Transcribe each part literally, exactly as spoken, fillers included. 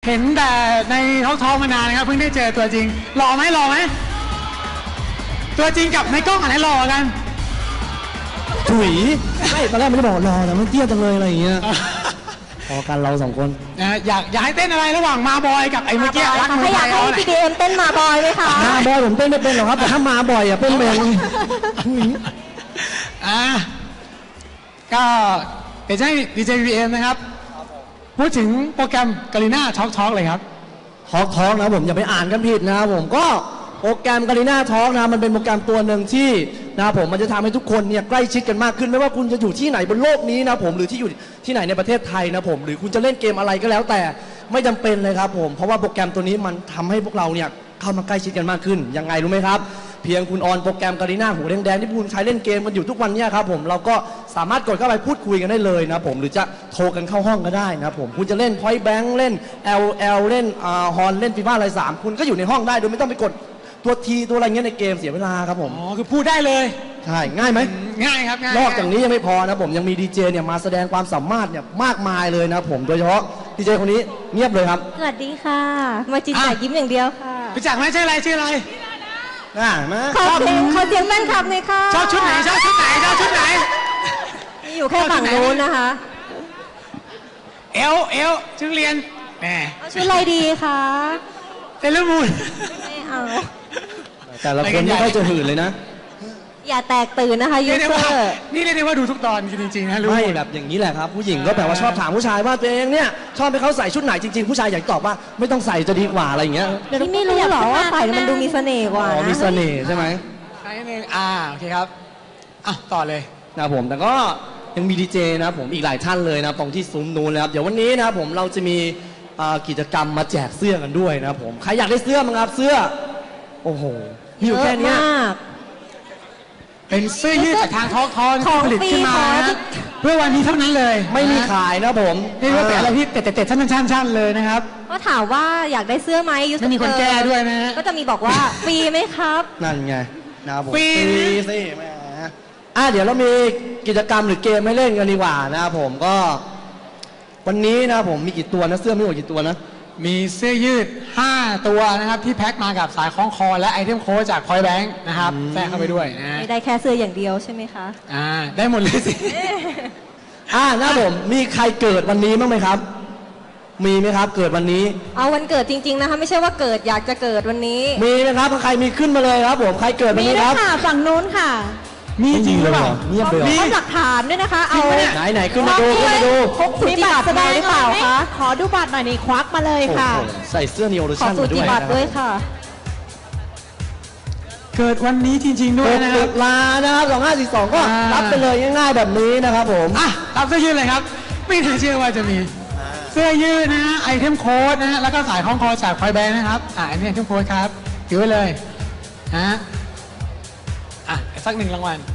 เห็นแต่ในท้องท้องมานานนะครับเพิ่งได้เจอตัวจริงหล่อไหมหล่อไหมตัวจริงกับในกล้องอันไหนหล่อกันถุยไม่ตอนแรกไม่ได้บอกรอแต่มันเตี้ยจังเลยอะไรอย่างเงี้ยพอกันเราสองคนอยากอยากให้เต้นอะไรระหว่างมาบอยกับไอ้เมื่อกี้รักมืออยากให้พีดีเอ็มเต้นมาบอยไหมคะมาบอยผมเต้นไม่เป็นหรอกครับแต่ถ้ามาบ่อยอ่ะเต้นเป็นอ่าก็เดี๋ยวจะให้ดีเจพีเอ็มนะครับพูดถึงโปรแกรมกาลิน่าท็อกท็อกเลยครับท็อกท็อกนะผมอย่าไปอ่านกันผิดนะครับผมก็โปรแกรมกาลิน่าท็อกนะมันเป็นโปรแกรมตัวหนึ่งที่นะผมมันจะทำให้ทุกคนเนี่ยใกล้ชิดกันมากขึ้นไม่ว่าคุณจะอยู่ที่ไหนบนโลกนี้นะผมหรือที่อยู่ที่ไหนในประเทศไทยนะผมหรือคุณจะเล่นเกมอะไรก็แล้วแต่ไม่จำเป็นเลยครับผมเพราะว่าโปรแกรมตัวนี้มันทำให้พวกเราเนี่ยเข้ามาใกล้ชิดกันมากขึ้นยังไงรู้ไหมครับเพียงคุณออนโปรแกรมกาลิน่าหูแดงๆที่คุณใช้เล่นเกมกันอยู่ทุกวันนี้ครับผมเราก็สามารถกดเข้าไปพูดคุยกันได้เลยนะผมหรือจะโทรกันเข้าห้องก็ได้นะผมคุณจะเล่น Point Blank เล่น แอล แอล เล่นอ่าฮอนเล่นฟีฟ่าอะไรสามคุณก็อยู่ในห้องได้โดยไม่ต้องไปกดตัวทีตัวอะไรเงี้ยในเกมเสียเวลาครับผมอ๋อคือพูดได้เลยใช่ง่ายไหมง่ายครับง่ายนอกจากนี้ยังไม่พอนะผมยังมีดีเจเนี่ยมาแสดงความสามารถเนี่ยมากมายเลยนะผมโดยเฉพาะดีเจคนนี้เงียบเลยครับสวัสดีค่ะมาจินจ่ายยิ้มอย่างเดียวค่ะรู้จักไหมชื่ออะไรชื่ออะไรอ่ามาขอเสียงขอเสียงแฟนคลับเลยค่ะชอบชุดไหนชอบชุดไหนชอบชุดไหนอยู่แค่ฝั่งโน้นนะคะเอลเอลชุดเรียนแหมชุดอะไรดีคะเซเลมูนไม่เอาแต่ละคนไม่ค่อยจะหื่นเลยนะอย่าแตกตื่นนะคะยูเซอร์นี่เรียกได้ว่าดูทุกตอนจริงๆนะรู้ไม่แบบอย่างนี้แหละครับผู้หญิงก็แบบว่าชอบถามผู้ชายว่าตัวเองเนี่ยชอบให้เขาใส่ชุดไหนจริงๆผู้ชายอยากตอบว่าไม่ต้องใส่จะดีกว่าอะไรอย่างเงี้ยพี่ไม่รู้หรอว่าใส่มันดูมีเสน่ห์กว่านะมีเสน่ห์ใช่ไหมใช่นึงอ่าโอเคครับอ่ะต่อเลยนะผมแต่ก็ยังมีดีเจนะผมอีกหลายท่านเลยนะตรงที่ซุ้มนู้นนะครับเดี๋ยววันนี้นะผมเราจะมีกิจกรรมมาแจกเสื้อกันด้วยนะผมใครอยากได้เสื้อมั้งครับเสื้อโอ้โหมีอยู่แค่นี้เป็นเสื้อยืดจากทางท้องท้องผลิตขึ้นมาเพื่อวันนี้เท่านั้นเลยไม่มีขายนะผมนี่ก็เป็นอะไรที่เตะเตะชั้นๆเลยนะครับก็ถามว่าอยากได้เสื้อไหมยูสไม่มีคนแก้ด้วยนะก็จะมีบอกว่าฟรีไหมครับนั่นไงนะผมฟรีสิแม่อ่ะเดี๋ยวเรามีกิจกรรมหรือเกมให้เล่นกันดีกว่านะผมก็วันนี้นะผมมีกี่ตัวนะเสื้อไม่หมดกี่ตัวนะมีเสื้อยืดห้าตัวนะครับที่แพ็คมากับสายคล้องคอและไอเทมโค้ดจาก Point Blank นะครับแทรกเข้าไปด้วยนะไม่ได้แค่เสื้ออย่างเดียวใช่ไหมคะอ่าได้หมดเลยสิอ่านะผมมีใครเกิดวันนี้บ้างไหมครับมีไหมครับเกิดวันนี้เอาวันเกิดจริงๆนะคะไม่ใช่ว่าเกิดอยากจะเกิดวันนี้มีไหมครับใครมีขึ้นมาเลยครับผมใครเกิดวันนี้ครับมีค่ะฝั่งนู้นค่ะมีจริงหรือเปล่าเงียบเลยมีหลักฐานด้วยนะคะเอาไหนไหนขึ้นมาดูขึ้นมาดูมีบัตรแสดงหรือเปล่าคะขอดูบัตรหน่อยนี่ควักมาเลยค่ะใส่เสื้อนิโอโรชั่นมาด้วยบัตรด้วยค่ะเกิดวันนี้จริงๆด้วยนะครับลานะครับสองห้าสี่สองก็รับไปเลยง่ายๆแบบนี้นะครับผมอ่ะรับเสื้อยืดเลยครับไม่น่าเชื่อว่าจะมีเสื้อยืดนะฮะไอเทมโค้ดนะฮะแล้วก็สายคล้องคอจากPoint Blankนะครับอ่ะอันนี้ไอเทมโค้ดครับถือไว้เลยฮะอ่ะสักหนึ่งรางวัล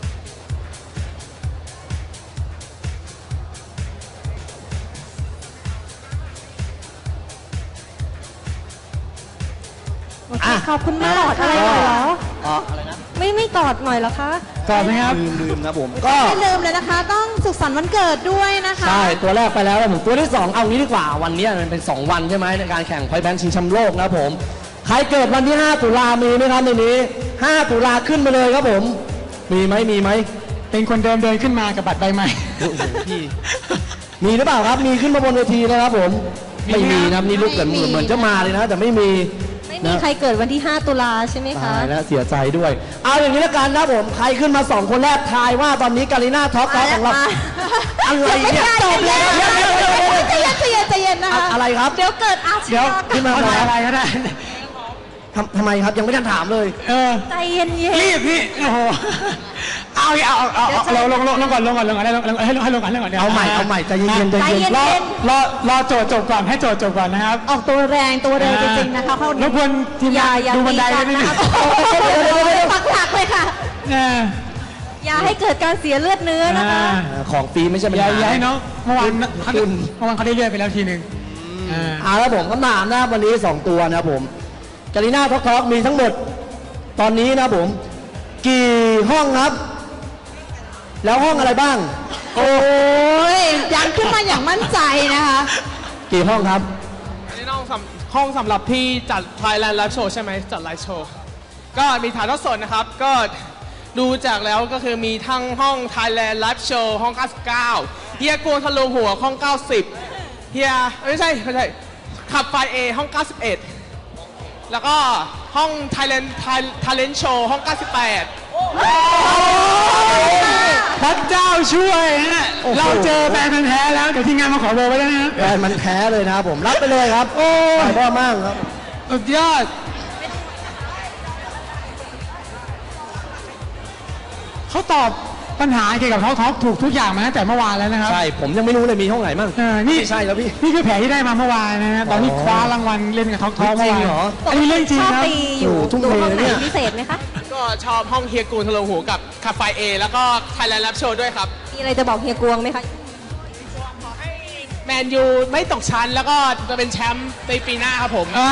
ขอบคุณมากกอดอะไรหน่อยเหรออ๋ออะไรนะไม่ไม่กอดหน่อยเหรอคะกอดไหมครับลืมลืมนะผมก็ไม่ลืมเลยนะคะต้องสุขสันต์วันเกิดด้วยนะคะใช่ตัวแรกไปแล้วผมตัวที่สองเอางี้ดีกว่าวันนี้มันเป็นสองวันใช่ไหมในการแข่งPoint Blankชิงแชมป์โลกนะผมใครเกิดวันที่ห้าตุลามีไหมครับในนี้ห้าตุลาขึ้นมาเลยครับผมมีไหมมีไหมเป็นคนเดิมเดินขึ้นมากับบัตรใบใหม่พี่มีหรือเปล่าครับมีขึ้นมาบนเวทีนะครับผมไม่มีนะนี่ลูกเหมือนเหมือนจะมาเลยนะแต่ไม่มีไม่มีใครเกิดวันที่ห้าตุลาใช่ไหมคะตายแล้วเสียใจด้วยเอาอย่างนี้ละกันนะผมใครขึ้นมาสองคนแรกทายว่าตอนนี้กาลิน่าท็อกท็อกของเราอะไรเนี่ยจบแล้วใจเย็นใจเย็นใจเย็นนะคะอะไรครับเดี๋ยวเกิดอาชญากรรมขึ้นมาอะไรก็ได้ทำไมครับยังไม่ทันถามเลยเออใจเย็นๆรีบพี่โอ้โหเอาเอาเอาเอาเราลงลงลงก่อนลงก่อนลงก่อนให้ลงให้ลงให้ลงก่อนให้ลงก่อนเดี๋ยวเอาใหม่เอาใหม่ใจเย็นใจเย็นรอรอรอโจทย์จบก่อนให้โจทย์จบก่อนนะครับออกตัวแรงตัวเร็วจริงๆนะคะเขารบกวนทีมงานดูบันไดด้วยนะคะปักหลักเลยค่ะอย่าให้เกิดการเสียเลือดเนื้อนะคะของฟรีไม่ใช่ปัญหาอย่าให้น้องเมื่อวานคุณเมื่อวานเขาได้เลือดไปแล้วทีหนึ่งอ่าแล้วผมคำถามนะวันนี้สองตัวนะผมกาลิน่าท็อกท็อกมีทั้งหมดตอนนี้นะผมกี่ห้องครับแล้วห้องอะไรบ้างโอ้ยยังขึ้นมาอย่างมั่นใจนะคะกี่ห้องครับองสำห้องสำหรับที่จัด Thailand Live Show ใช่ไหมจัดไลฟ์โชว์ก็มีถ่ายทอดสดนะครับก็ดูจากแล้วก็คือมีทั้งห้อง Thailand Live Show ห้องเก้าสิบเก้าเฮียกวนทะลุหัวห้องเก้าสิบเฮียไม่ใช่ไม่ใช่ขับไฟเอห้องเก้าสิบเอ็ดแล้วก็ห้อง Thailand Talent Show ห้องเก้าสิบแปดพระเจ้าช่วยฮะเราเจอแฟนมันธุ์แท้แล้วเดี๋ยวทีมงานมาขอเบอร์ไว้แล้วนะแฟนมันแท้เลยนะครับผมรับไปเลยครับโอ้ยพ่อมากครับสุดยอดเขาตอบปัญหาเกี่ยวกับท็อกท็อกถูกทุกอย่างมาตั้งแต่เมื่อวานแล้วนะครับใช่ผมยังไม่รู้เลยมีห้องไหนมั่งเออนี่ไม่ใช่แล้วพี่นี่คือแผลที่ได้มาเมื่อวานนะฮะตอนนี้คว้ารางวัลเล่นกับท็อกท็อกจริเมื่อง วานเหรออันนี้เรื่องจริงชอบครับตีอยู่โอ้โหทุ่มดูเทห้องไหนเนี่ยพิเศษไหมคะก็ชอบห้องเฮียกูนทะลุหัวกับขับไฟเอแล้วก็ Thailand Live Show ด้วยครับมีอะไรจะบอกเฮียกวงไหมคะแมนยูไม่ตกชั้นแล้วก็จะเป็นแชมป์ในปีหน้าครับผมอ่า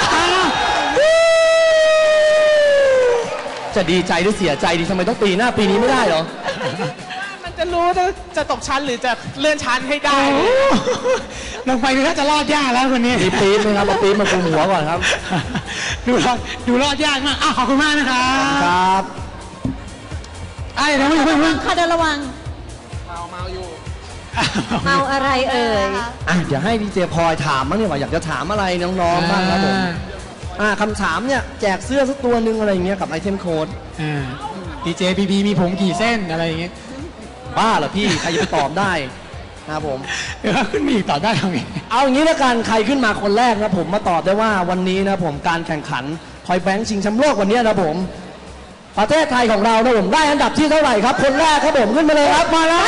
จะดีใจหรือเสียใจดีทำไมต้องปีหน้าปีนี้ไม่ได้เหรอมันจะรู้จะจะตกชั้นหรือจะเลื่อนชั้นให้ได้โอ้โหลงไปดูน่าจะรอดยากแล้วคนนี้มีปี๊บไหมครับเอาปี๊บมาคุมหัวก่อนครับดูรอดดูรอดยากมากอ่ะขอบคุณมากนะครับครับไอ้เดี๋ยวไม่เพิ่งเพิ่งค่ะเดินระวังเมาเมาอยู่เมาอะไรเอ่ยอ่ะเดี๋ยวให้ดีเจพลอยถามบ้างเนี่ยว่าอยากจะถามอะไรน้องๆบ้างครับผมอ่าคำถามเนี่ยแจกเสื้อสักตัวหนึ่งอะไรอย่างเงี้ยกับไอเทมโค้ดอ่าดีเจพีพีมีผมกี่เส้นอะไรอย่างเงี้ยบ้าเหรอพี่ใครจะไปตอบได้นะครับผมเดี๋ยวขึ้นมีอีกต่อได้ทำไงเอาอย่างนี้ละกันใครขึ้นมาคนแรกนะผมมาตอบได้ว่าวันนี้นะผมการแข่งขันพอยแบงค์ชิงแชมป์โลกวันนี้นะผมประเทศไทยของเรานะผมได้อันดับที่เท่าไหร่ครับคนแรกครับผมขึ้นมาเลยครับมาแล้ว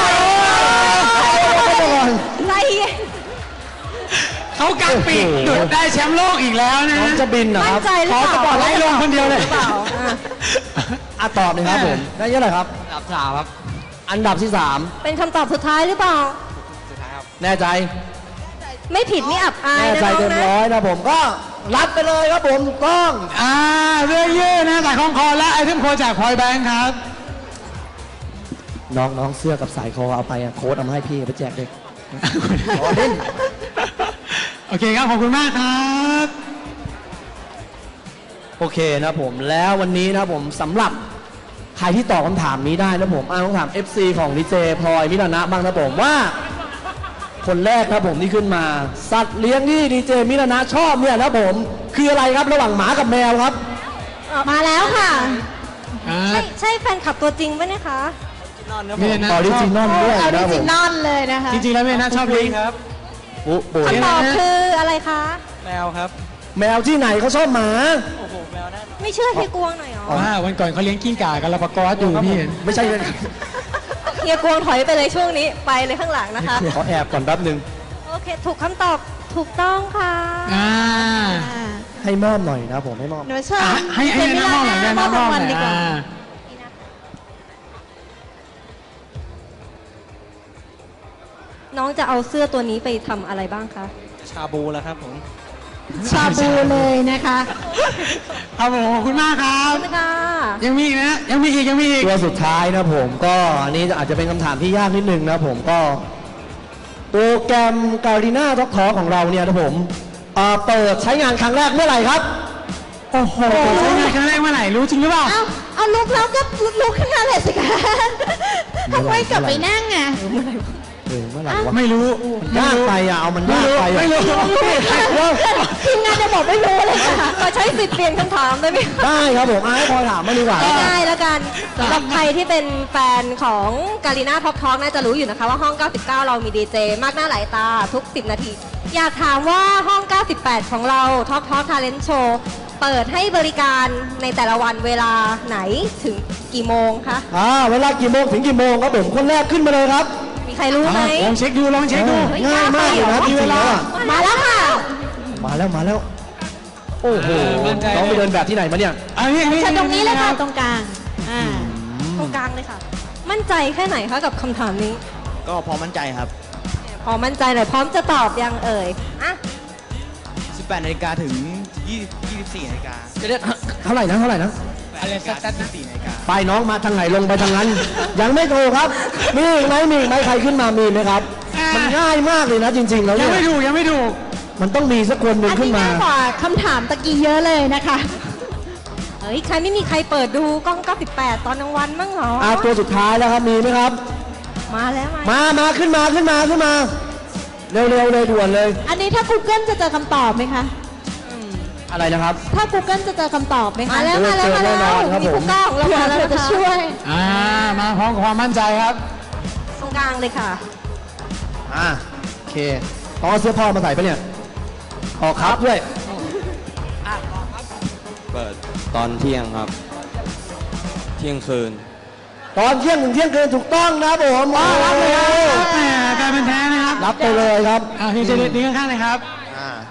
ใจเย็นเขากางปีกดุดได้แชมป์โลกอีกแล้วนะน้องจะบินนะคมั่นรับใจหรือขอเปสล่าปอร์ตไลท์ลงคนเดียวเลยหรือเปล่าอ่ะอ่ะตอบเลยครับผมได้เยอะเลยครับอันดับสามครับอันดับที่สามเป็นคำตอบสุดท้ายหรือเปล่าแน่ใจไม่ผิดนี่อับอายแน่นะใจน้องเต็มนะร้อยนะผมก็รับไปเลยครับผมถูกต้องอ่าเรื่องยืดนะสายคล้องคอและไอเทมโค้ดจากพอยแบงค์ครับน้องน้องเสื้อกับสายคอเอาไปอะโค้ดเอามาให้พี่ไปแจกเด็กขอเล่นโอเคครับ ขอบคุณมากครับโอเคนะผมแล้ววันนี้นะผมสำหรับใครที่ตอบคำถามนี้ได้นะผมอ่าต้องถาม เอฟ ซี ของดีเจพลอยมิลานะบ้างนะผมว่า คนแรกนะผมที่ขึ้นมา สัตว์เลี้ยงที่ดีเจมิลานะชอบเนี่ยนะผมคืออะไรครับระหว่างหมากับแมวครับมาแล้วค่ะอ่าใช่ใช่แฟนคลับตัวจริงไหมเนี่ยคะไม่ได้นะออริจินอลด้วยออนะริผจิมนอลเลยนะคะจริงๆแล้วไม่ได้นะชอบลิงครับปุ๊ปุ๋ยคำตอบคืออะไรคะแมวที่ไหนเขาชอบหมาไม่เชื่อเฮียกวงหน่อยเหรอว่าวันก่อนเขาเลี้ยงกิ้งก่ากันลาปากอสอยู่พี่เห็นไม่ใช่เลยเฮียกวงถอยไปเลยช่วงนี้ไปเลยข้างหลังนะคะขอแอบก่อนแป๊บหนึ่งโอเค ถูกคำตอบถูกต้องค่ะอ่าให้มอบหน่อยนะผมให้มอบหนูเชิญอ่ะให้ให้แนะนำหน่อยแนะนำหน่รางอวัลยดีกว่าอ่าน้องจะเอาเสื้อตัวนี้ไปทำอะไรบ้างคะชาบูแล้วครับผมชาบูเลยนะคะครับผมขอบคุณมากครับขอบคุณค่ะยังมีอีกนะ ยังมีอีกยังมีอีกตัวสุดท้ายนะผมก็อันนี้อาจจะเป็นคำถามที่ยากนิดนึงนะผมก็โปรแกรมการีนาท็อกทอของเราเนี่ยนะผมเอ่อเปิดใช้งานครั้งแรกเมื่อไหร่ครับโอ้โหใช้งานครั้งแรกเมื่อไหร่รู้จริงหรือเปล่าเอาเอาลุกแล้วก็ลุกขึ้นมาเลยสิคะทำไมกลับไปนั่งอ่ะเออเมื่อไหร่วะไม่รู้ยากไปอ่ะเอามันยากไปอ่ะไม่รู้ทีมงานจะบอกไม่รู้เลยค่ะขอใช้สิทธิ์เปลี่ยนคำถามได้ไหมได้ครับผมอ่ะให้พลอยถามมาดีกว่าง่ายๆแล้วกันสำหรับใครที่เป็นแฟนของการีนาท็อปทอ l k น่าจะรู้อยู่นะคะว่าห้อง เก้าสิบเก้า เรามีดีเจมากหน้าหลายตาทุก สิบ นาที อยากถามว่าห้อง เก้าสิบแปด ของเรา Talk Talk Talent Show เปิดให้บริการในแต่ละวันเวลาไหนถึงกี่โมงคะอ่าเวลากี่โมงถึงกี่โมงครับผมคนแรกขึ้นมาเลยครับมีใครรู้ไหมลองเช็คดูลองเช็คดูเออง่ายมากเลยนะจริงๆแล้วอะมาแล้วค่ะมาแล้วมาแล้ว โอ้โหมั่นใจน้องไปเดินแบบที่ไหนมาเนี่ยอันนี้เชิญตรงนี้เลยค่ะตตรงกลางอ่าตรงกลางเลยค่ะ มั่นใจแค่ไหนคะกับคำถามนี้ก็พอมั่นใจครับพอมั่นใจหน่อยพร้อมจะตอบยังเอ่ยอ่ะสิบแปดนาฬิกาถึงยี่สิบสี่นาฬิกาจะเรียกเท่าไหร่นะเท่าไหร่นะอะไรสักๆนะยี่สิบสี่นาฬิกาไปน้องมาทางไหนลงไปทางนั้น ยังไม่ถูกครับ มีอีกไหมมีอีกไหมใครขึ้นมามีไหมครับ มันง่ายมากเลยนะจริงๆแล้วยัเนี่งยไม่ถูกยังไม่ถูกมันต้องมีสักคนหนึ่งอันขึ้นนี้มาง่ายกว่าคำถามตะกี้เยอะเลยนะคะเฮ้ย ใครไม่มีใครเปิดดูกล้อง เก้าสิบแปด ตอนกลางวันมั้งเหรออ่าตัวสุดท้ายแล้วครับมีไหมครับมาแล้วมามามาขึ้นมาขึ้นมาขึ้นมา เร็วๆเลยด่วนเลยอันนี้ถ้า Google จะเจอคำตอบไหมคะอะไรนะครับถ้า Google จะเจอคำตอบไหมคะมาแล้วมาแล้วมาเจอแน่นแล้อวนครับมีผมผู้กล้องเราเผื่อมาแล้วเผื่อนะจะคะช่วยอ่ามาพร้อมกับความมั่นใจครับตรงกลางเลยค่ะอ่าโอเคต้องเอาเสื้อพ่อมาใส่ปะเนี่ยออกครับด้วยเปิดตอนเที่ยงครับ เที่ยงคืนตอนเที่ยงถึงเที่ยงคืนถูกต้องนะครับผมอ๋อรับเลยครับโอ้แหมกลายเป็นแท้นะครับรับไปเลยครับอ่าทีเจเด็ดนี้ข้างๆเลยครับอ่า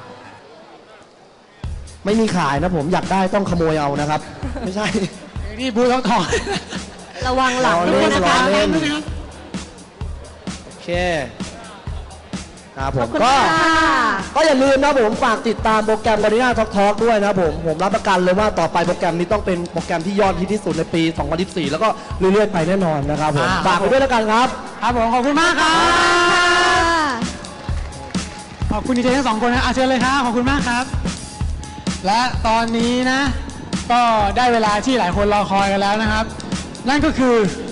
ไม่มีขายนะผมอยากได้ต้องขโมยเอานะครับ ไม่ใช่นี่พูดต้องถอนระวังหลังรอด้เล่วยนนะคะรอเล่นด้วยนะครับโอเคครับผขอมบคุณก็ค่ะก็อย่าลืมนะผมฝากติดตามโปรแกรม Garena Talk Talk ด้วยนะผมผมรับประกันเลยว่าต่อไปโปรแกรมนี้ต้องเป็นโปรแกรมที่ยอดฮิตที่สุดในปี สองพันยี่สิบสี่ แล้วก็เรื่อยๆไปแน่นอนนะครับผมอ่าฝากไปด้วยแล้วกันครับครับผมขอบคุณมากครับ ขอบคุณดีเจทั้งสองคนนะอาเชิญเลยครับขอบคุณมากครับ และตอนนี้นะ ก็ได้เวลาที่หลายคนรอคอยกันแล้วนะครับ นั่นก็คือ